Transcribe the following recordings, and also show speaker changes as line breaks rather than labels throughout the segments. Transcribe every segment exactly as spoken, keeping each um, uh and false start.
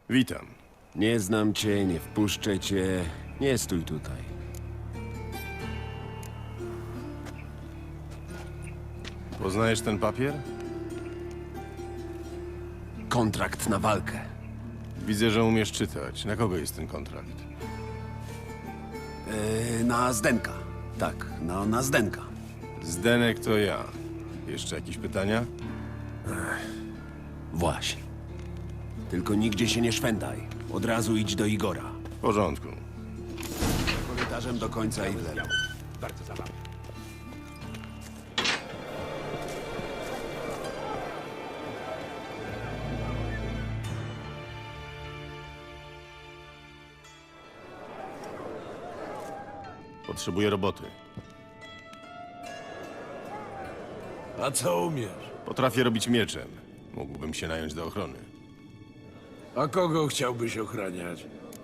Witam.
Nie znam cię, nie wpuszczę cię. Nie stój tutaj.
Poznajesz ten papier?
Kontrakt na walkę.
Widzę, że umiesz czytać. Na kogo jest ten kontrakt?
Yy, na Zdenka. Tak, no na Zdenka.
Zdenek to ja. Jeszcze jakieś pytania?
Właśnie. Tylko nigdzie się nie szwendaj. Od razu idź do Igora.
W porządku.
Korytarzem do końca i w lewo.
Bardzo zabawne.
Potrzebuję roboty.
A co umiesz?
Potrafię robić mieczem. Mógłbym się nająć do ochrony.
A kogo chciałbyś ochraniać?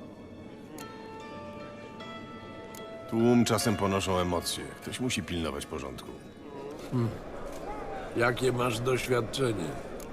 Tłum czasem ponoszą emocje. Ktoś musi pilnować porządku.
Jakie masz doświadczenie?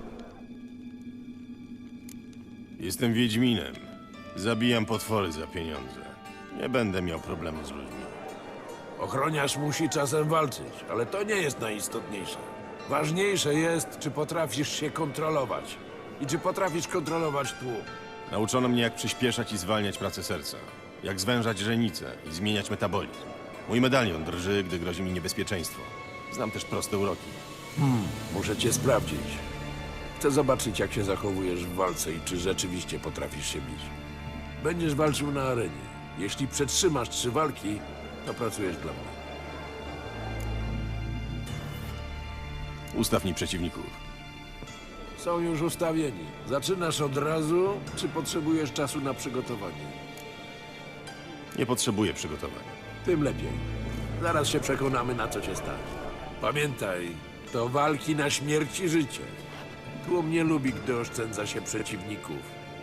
Jestem Wiedźminem. Zabijam potwory za pieniądze. Nie będę miał problemu z ludźmi.
Ochroniarz musi czasem walczyć, ale to nie jest najistotniejsze. Ważniejsze jest, czy potrafisz się kontrolować. I czy potrafisz kontrolować tłum.
Nauczono mnie, jak przyspieszać i zwalniać pracę serca. Jak zwężać źrenicę i zmieniać metabolizm. Mój medalion drży, gdy grozi mi niebezpieczeństwo. Znam też proste uroki.
Muszę cię sprawdzić. Chcę zobaczyć, jak się zachowujesz w walce i czy rzeczywiście potrafisz się bić. Będziesz walczył na arenie. Jeśli przetrzymasz trzy walki, to pracujesz dla mnie.
Ustaw mi przeciwników.
Są już ustawieni. Zaczynasz od razu, czy potrzebujesz czasu na przygotowanie?
Nie potrzebuję przygotowań.
Tym lepiej. Zaraz się przekonamy, na co cię stać. Pamiętaj, to walki na śmierć i życie. Tłum nie lubi, gdy oszczędza się przeciwników.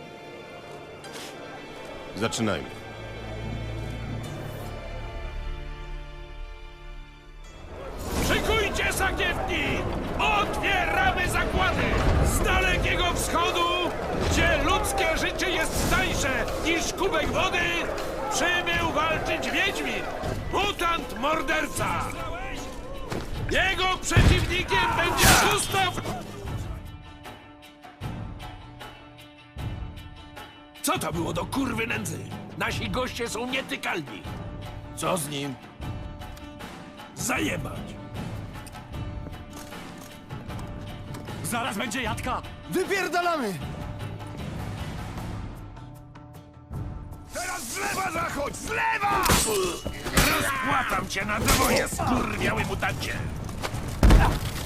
Zaczynajmy.
Szykujcie sakiewki! Otwieramy zakłady! Z dalekiego wschodu, gdzie ludzkie życie jest tańsze niż kubek wody, przybył walczyć Wiedźmin, mutant morderca! Jego przeciwnikiem będzie Gustaw... Co to było do kurwy nędzy? Nasi goście są nietykalni. Co z nim? Zajebać!
Zaraz będzie jadka!
Wypierdalamy!
Teraz z lewa zachodź! Z lewa! Rozpłatam cię na dwoje, skurwiały mutancie!